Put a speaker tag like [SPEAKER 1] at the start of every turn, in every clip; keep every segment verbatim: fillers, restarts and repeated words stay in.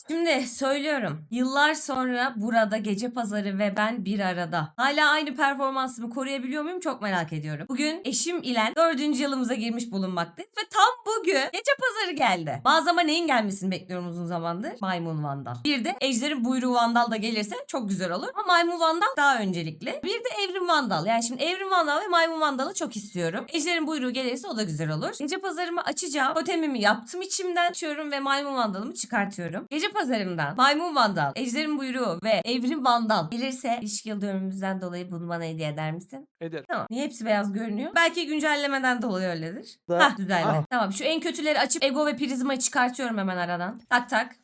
[SPEAKER 1] Şimdi söylüyorum. Yıllar sonra burada Gece Pazarı ve ben bir arada. Hala aynı performansımı koruyabiliyor muyum çok merak ediyorum. Bugün eşim ile dördüncü yılımıza girmiş bulunmaktayız ve tam bugün Gece Pazarı geldi. Mağazama neyin gelmesini bekliyorum uzun zamandır? Maymun Vandal. Bir de Ejder'in Buyruğu Vandal da gelirse çok güzel olur. Ama Maymun Vandal daha öncelikli. Bir de Evrim Vandal. Yani şimdi Evrim Vandal ve Maymun Vandal'ı çok istiyorum. Ejder'in Buyruğu gelirse o da güzel olur. Gece Pazarımı açacağım. Totemimi yaptım içimden. Açıyorum ve Maymun Vandal'ımı çıkartıyorum. Gece Pazarımdan Maymun Vandal, Ejder'in Buyruğu ve Evrim Vandal gelirse ilişki yıl dönümümüzden dolayı bunu bana hediye eder misin?
[SPEAKER 2] Ederim.
[SPEAKER 1] Tamam. Niye hepsi beyaz görünüyor? Belki güncellemeden dolayı öyledir.
[SPEAKER 2] Da-
[SPEAKER 1] Hah düzeldi.
[SPEAKER 2] Ah.
[SPEAKER 1] Tamam şu en kötüleri açıp Ego ve Prizma'yı çıkartıyorum hemen aradan. Tak tak.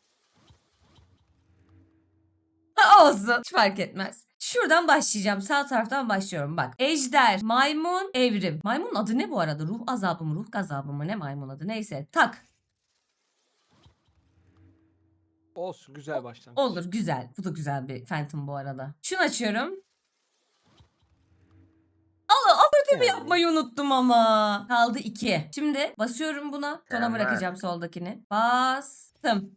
[SPEAKER 1] Ha, olsun. Hiç fark etmez. Şuradan başlayacağım. Sağ taraftan başlıyorum. Bak. Ejder, maymun, evrim. Maymunun adı ne bu arada? Ruh azabı mı? Ruh gazabı mı? Ne maymun adı? Neyse. Tak.
[SPEAKER 2] Olsun güzel başlangıç.
[SPEAKER 1] Olur. Güzel. Bu da güzel bir Phantom bu arada. Şunu açıyorum. Allah affetimi
[SPEAKER 2] Yani.
[SPEAKER 1] yapmayı unuttum ama. Kaldı iki. Şimdi basıyorum buna. Sona
[SPEAKER 3] Hemen.
[SPEAKER 1] bırakacağım soldakini. Bastım.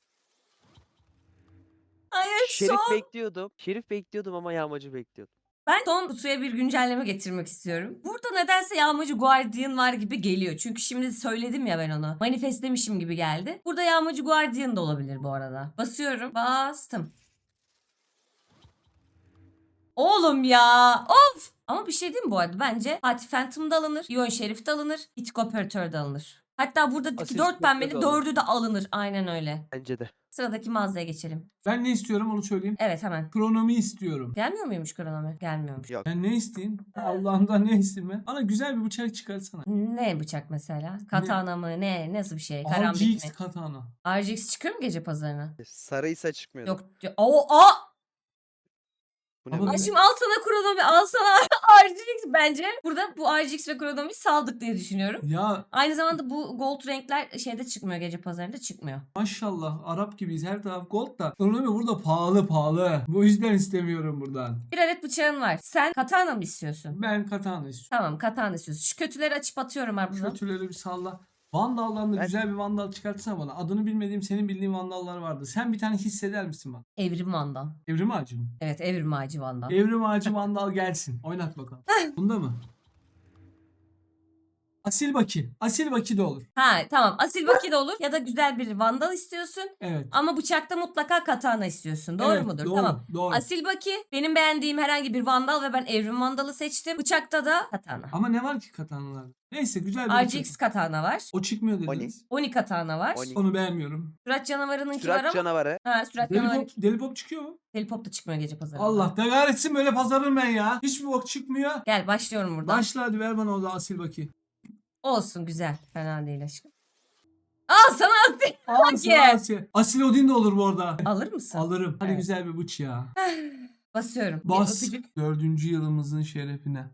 [SPEAKER 1] Hayır
[SPEAKER 3] Şerif
[SPEAKER 1] son.
[SPEAKER 3] bekliyordum. Şerif bekliyordum ama yağmacı bekliyordum.
[SPEAKER 1] Ben son kutuya bir güncelleme getirmek istiyorum. Burada nedense Yağmacı Guardian var gibi geliyor. Çünkü şimdi söyledim ya ben onu. Manifestlemişim gibi geldi. Burada Yağmacı Guardian da olabilir bu arada. Basıyorum. Bastım. Oğlum ya. Of. Ama bir şey diyeyim mi bu arada? Bence Fatih Phantom da alınır. Ion Şerif de alınır. Itko Operatör de alınır. Hatta buradaki
[SPEAKER 2] Asil
[SPEAKER 1] dört
[SPEAKER 2] Spectre
[SPEAKER 1] pembeli
[SPEAKER 2] de alınır.
[SPEAKER 1] dördü de alınır. Aynen öyle.
[SPEAKER 3] Bence de.
[SPEAKER 1] Sıradaki mağazaya geçelim.
[SPEAKER 4] Ben ne istiyorum onu söyleyeyim.
[SPEAKER 1] Evet hemen.
[SPEAKER 4] Kronomi istiyorum.
[SPEAKER 1] Gelmiyor muymuş kronomi? Gelmiyormuş.
[SPEAKER 3] Yok.
[SPEAKER 4] Ben ne isteyeyim? Allah'ımdan ne isteyeyim ben? Bana güzel bir bıçak çıkarsana.
[SPEAKER 1] Ne bıçak mesela? Katana mı? Ne? Nasıl bir şey? Karambit
[SPEAKER 4] R G X
[SPEAKER 1] mi?
[SPEAKER 4] katana.
[SPEAKER 1] R G X çıkıyor mu gece pazarına?
[SPEAKER 3] Sarıysa çıkmıyordu.
[SPEAKER 1] Yok. O a.
[SPEAKER 3] Bu ne
[SPEAKER 4] Ama
[SPEAKER 3] be?
[SPEAKER 1] Ay
[SPEAKER 4] ben-
[SPEAKER 1] şimdi al sana kronomi, al sana R G X bence. Burada bu R G X ve kronomiyi saldık diye düşünüyorum.
[SPEAKER 4] Ya
[SPEAKER 1] Aynı zamanda bu gold renkler şeyde çıkmıyor, gece pazarında çıkmıyor.
[SPEAKER 4] maşallah Arap gibiyiz, her taraf gold da. Kronomi burada pahalı pahalı. Bu yüzden istemiyorum buradan.
[SPEAKER 1] Bir adet bıçağın var. Sen katana mı istiyorsun?
[SPEAKER 4] Ben katana istiyorum.
[SPEAKER 1] Tamam, katana istiyorsun. Şu kötüleri açıp atıyorum abi buradan.
[SPEAKER 4] Kötüleri bir salla. Vandal'dan da
[SPEAKER 3] Ben-
[SPEAKER 4] güzel bir vandal çıkartsana bana. Adını bilmediğim, senin bildiğin vandallar vardı. Sen bir tane hisseder misin bana?
[SPEAKER 1] Evrim Vandal.
[SPEAKER 4] Evrim ağacı mı?
[SPEAKER 1] Evet, Evrim Ağacı Vandal.
[SPEAKER 4] Evrim ağacı vandal gelsin. Oynat bakalım. Bunda mı? Asil Baki. Asil Baki de olur.
[SPEAKER 1] Ha tamam, asil vakit olur ya da güzel bir vandal istiyorsun.
[SPEAKER 4] Evet.
[SPEAKER 1] Ama bıçakta mutlaka katana istiyorsun. Doğru
[SPEAKER 4] Evet,
[SPEAKER 1] mudur?
[SPEAKER 4] Doğru,
[SPEAKER 1] Tamam.
[SPEAKER 4] doğru.
[SPEAKER 1] Asil Baki benim beğendiğim herhangi bir vandal ve ben Evrim Vandal'ı seçtim. Bıçakta da katana.
[SPEAKER 4] Ama ne var ki katanalarda? Neyse güzel bir
[SPEAKER 1] R G
[SPEAKER 4] bıçak.
[SPEAKER 1] X katana var.
[SPEAKER 4] O çıkmıyor
[SPEAKER 3] Oni.
[SPEAKER 4] dediniz.
[SPEAKER 1] Oni katana var.
[SPEAKER 3] Oni.
[SPEAKER 4] Onu beğenmiyorum.
[SPEAKER 1] Sürat canavarınınki var
[SPEAKER 3] Sürat
[SPEAKER 1] ama.
[SPEAKER 3] canavarı.
[SPEAKER 1] Ha sürat
[SPEAKER 4] Deli
[SPEAKER 1] canavarı.
[SPEAKER 4] pop, deli pop çıkıyor mu?
[SPEAKER 1] Deli pop da çıkmıyor gece pazarında.
[SPEAKER 4] Allah da kahretsin, böyle pazarım ben ya. Hiçbir bok çıkmıyor.
[SPEAKER 1] Gel başlıyorum buradan.
[SPEAKER 4] Başla hadi, ver bana o da asil Baki.
[SPEAKER 1] Olsun güzel. Fena değil aşkım. Al sana asil.
[SPEAKER 4] Aa,
[SPEAKER 1] Baki.
[SPEAKER 4] sana asil. Asil Odin de olur bu arada.
[SPEAKER 1] Alır mısın?
[SPEAKER 4] Alırım. Hadi
[SPEAKER 1] Evet.
[SPEAKER 4] güzel bir bıç ya.
[SPEAKER 1] Basıyorum. Bir
[SPEAKER 4] Bas.
[SPEAKER 1] öpücük.
[SPEAKER 4] Dördüncü yılımızın şerefine.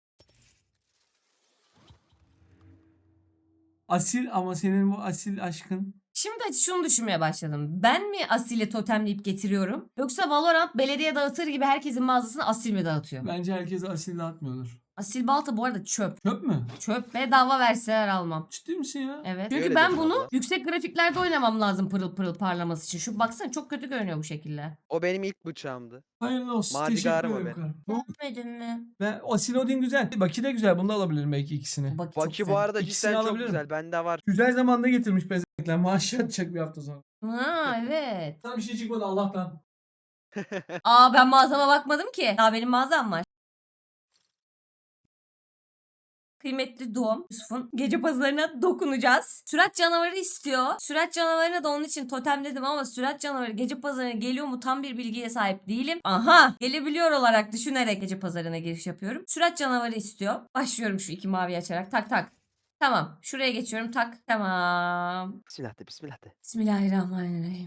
[SPEAKER 4] Asil, ama senin bu asil aşkın.
[SPEAKER 1] Şimdi şunu düşünmeye başladım. Ben mi asili totemleyip getiriyorum? Yoksa Valorant belediye dağıtır gibi herkesin mağazasını asil mi dağıtıyor?
[SPEAKER 4] Bence herkes asil dağıtmıyordur.
[SPEAKER 1] Asil balta bu arada çöp.
[SPEAKER 4] Çöp mü?
[SPEAKER 1] Çöp bedava verseler almam.
[SPEAKER 4] Ciddi misin ya?
[SPEAKER 1] Evet.
[SPEAKER 3] Öyle
[SPEAKER 1] Çünkü ben
[SPEAKER 3] dedim
[SPEAKER 1] bunu
[SPEAKER 3] abla.
[SPEAKER 1] yüksek grafiklerde oynamam lazım pırıl pırıl parlaması için. Şu baksana çok kötü görünüyor bu şekilde.
[SPEAKER 3] O benim ilk bıçağımdı.
[SPEAKER 4] Hayırlı olsun.
[SPEAKER 3] Madigarım
[SPEAKER 4] Teşekkür
[SPEAKER 3] o
[SPEAKER 4] ederim.
[SPEAKER 3] be.
[SPEAKER 4] karım.
[SPEAKER 1] Beğenmedin mi?
[SPEAKER 4] Ve Asil Odin güzel. Baki de güzel. Bunu da alabilirim belki ikisini.
[SPEAKER 1] Bak çok
[SPEAKER 3] Baki
[SPEAKER 1] güzel.
[SPEAKER 3] bu arada
[SPEAKER 4] İkisini
[SPEAKER 3] cidden çok
[SPEAKER 4] alabilirim.
[SPEAKER 3] güzel. Bende var.
[SPEAKER 4] Güzel zamanda getirmiş bezekler. Maaşı atacak bir hafta sonra.
[SPEAKER 1] Ha evet.
[SPEAKER 4] Sana bir şey çıkmadı Allah'tan.
[SPEAKER 1] Aa ben mağazama bakmadım ki. Daha benim mağazam var. Kıymetli doğum Yusuf'un gece pazarına dokunacağız. Sürat canavarı istiyor. Sürat canavarına da onun için totemledim ama sürat canavarı gece pazarına geliyor mu tam bir bilgiye sahip değilim. Aha gelebiliyor olarak düşünerek gece pazarına giriş yapıyorum. Sürat canavarı istiyor. Başlıyorum şu iki mavi açarak. Tak tak. Tamam. Şuraya geçiyorum. Tak. Tamam.
[SPEAKER 3] Bismillah de bismillah de.
[SPEAKER 1] Bismillahirrahmanirrahim.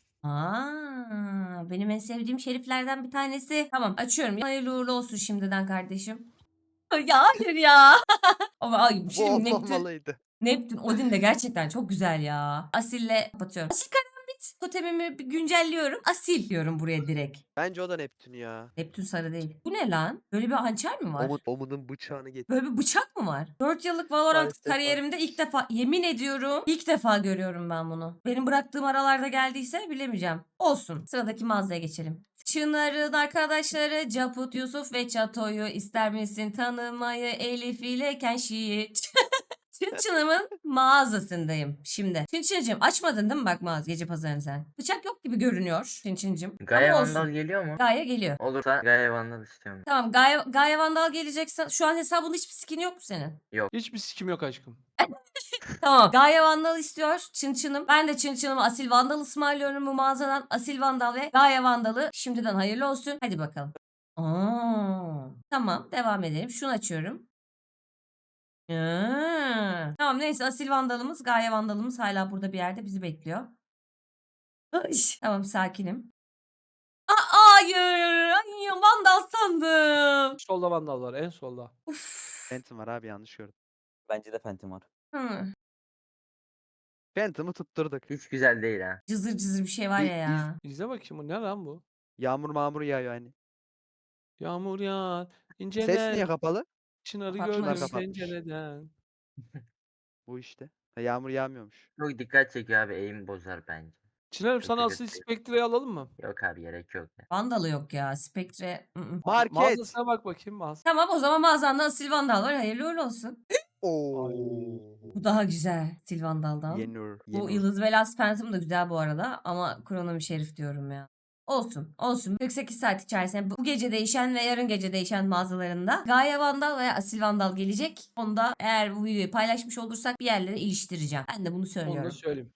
[SPEAKER 1] Aa, benim en sevdiğim şeriflerden bir tanesi. Tamam açıyorum. Hayırlı uğurlu olsun şimdiden kardeşim. Ya hayır ya. Ama ay,
[SPEAKER 3] Bu
[SPEAKER 1] şimdi Neptün,
[SPEAKER 3] olmamalıydı.
[SPEAKER 1] Neptün Odin de gerçekten çok güzel ya. Asil'le kapatıyorum. Asil karambit Evet. Totemimi bir güncelliyorum. Asil diyorum buraya direkt.
[SPEAKER 3] Bence o da Neptün ya.
[SPEAKER 1] Neptün sarı değil. Bu ne lan? Böyle bir hançer mi var?
[SPEAKER 3] Omut, Omut'un bıçağını getir.
[SPEAKER 1] Böyle bir bıçak mı var? dört yıllık Valorant
[SPEAKER 3] Maalesef var.
[SPEAKER 1] kariyerimde ilk defa, yemin ediyorum ilk defa görüyorum ben bunu. Benim bıraktığım aralarda geldiyse bilemeyeceğim. Olsun. Sıradaki mağazaya geçelim. Çınar'ın arkadaşları Caput, Yusuf ve Çato'yu ister misin tanımayı, Elif ile Kenşi'yi. Çınçın'ımın mağazasındayım şimdi. Çınçıncığım açmadın değil mi bak mağaza gece pazarını sen? Bıçak yok gibi görünüyor Çınçıncığım.
[SPEAKER 5] Gaye
[SPEAKER 1] Ama olsun.
[SPEAKER 5] Vandal geliyor mu?
[SPEAKER 1] Gaye geliyor.
[SPEAKER 5] Olursa Gaye Vandal istiyorum.
[SPEAKER 1] Tamam Gaye, Gaye Vandal gelecekse şu an hesabında hiçbir skin yok mu senin?
[SPEAKER 2] Hiçbir sikim yok aşkım.
[SPEAKER 1] Tamam. Gaye Vandal istiyor Çınçın'ım. Ben de Çınçın'ıma Asil Vandal ısmarlıyorum bu mağazadan. Asil Vandal ve Gaye Vandal'ı şimdiden hayırlı olsun. Hadi bakalım. Aa, tamam devam edelim. Şunu açıyorum. Aa, tamam neyse Asil Vandal'ımız Gaye Vandal'ımız hala burada bir yerde bizi bekliyor. Ay, tamam sakinim. Aa, hayır. Ay, Vandal sandım.
[SPEAKER 2] Solda vandal var en solda.
[SPEAKER 1] Uf.
[SPEAKER 3] Phantom var abi, yanlış gördüm.
[SPEAKER 6] Bence de Phantom var.
[SPEAKER 1] Hı.
[SPEAKER 3] Phantom'ı tutturduk.
[SPEAKER 5] Hiç güzel değil ha.
[SPEAKER 1] Cızır cızır bir şey var
[SPEAKER 3] İz-
[SPEAKER 1] ya ya.
[SPEAKER 2] İzle bakayım bu ne lan bu?
[SPEAKER 3] Yağmur mağmur yağıyor hani.
[SPEAKER 2] Yağmur yağar. İnceden.
[SPEAKER 3] Ses niye kapalı?
[SPEAKER 2] Çınarı
[SPEAKER 1] Kapatmış.
[SPEAKER 2] gördüm
[SPEAKER 3] Kapatmış.
[SPEAKER 2] pencereden.
[SPEAKER 3] Bu işte. Ha, yağmur yağmıyormuş.
[SPEAKER 5] Çok dikkat çekiyor abi. Aim bozar bence.
[SPEAKER 2] Çınarım
[SPEAKER 5] Çok
[SPEAKER 2] sana
[SPEAKER 5] güzel
[SPEAKER 2] Asil
[SPEAKER 5] şey.
[SPEAKER 2] Spectre'yi alalım mı?
[SPEAKER 5] Yok abi gerek yok ya.
[SPEAKER 1] Vandalı yok ya. Spectre. ı-ı.
[SPEAKER 3] Market.
[SPEAKER 2] Mağazasına bak bakayım mağaza.
[SPEAKER 1] Tamam o zaman mağazanda Asil Vandal var. Hayırlı uğurlu olsun.
[SPEAKER 3] Oo.
[SPEAKER 1] Bu daha güzel Asil Vandal'dan.
[SPEAKER 3] Yenur.
[SPEAKER 1] Bu
[SPEAKER 3] Yenur.
[SPEAKER 1] Yıldız ve Last Phantom da güzel bu arada. Ama Kronomi Şerif diyorum ya. Olsun olsun. kırk sekiz saat içerisinde bu gece değişen ve yarın gece değişen mağazalarında Gaye Vandal veya Asil Vandal gelecek. Onu da eğer bu videoyu paylaşmış olursak bir yerlere iliştireceğim. Ben de bunu
[SPEAKER 2] Onu da
[SPEAKER 1] söylüyorum.
[SPEAKER 2] söyleyeyim.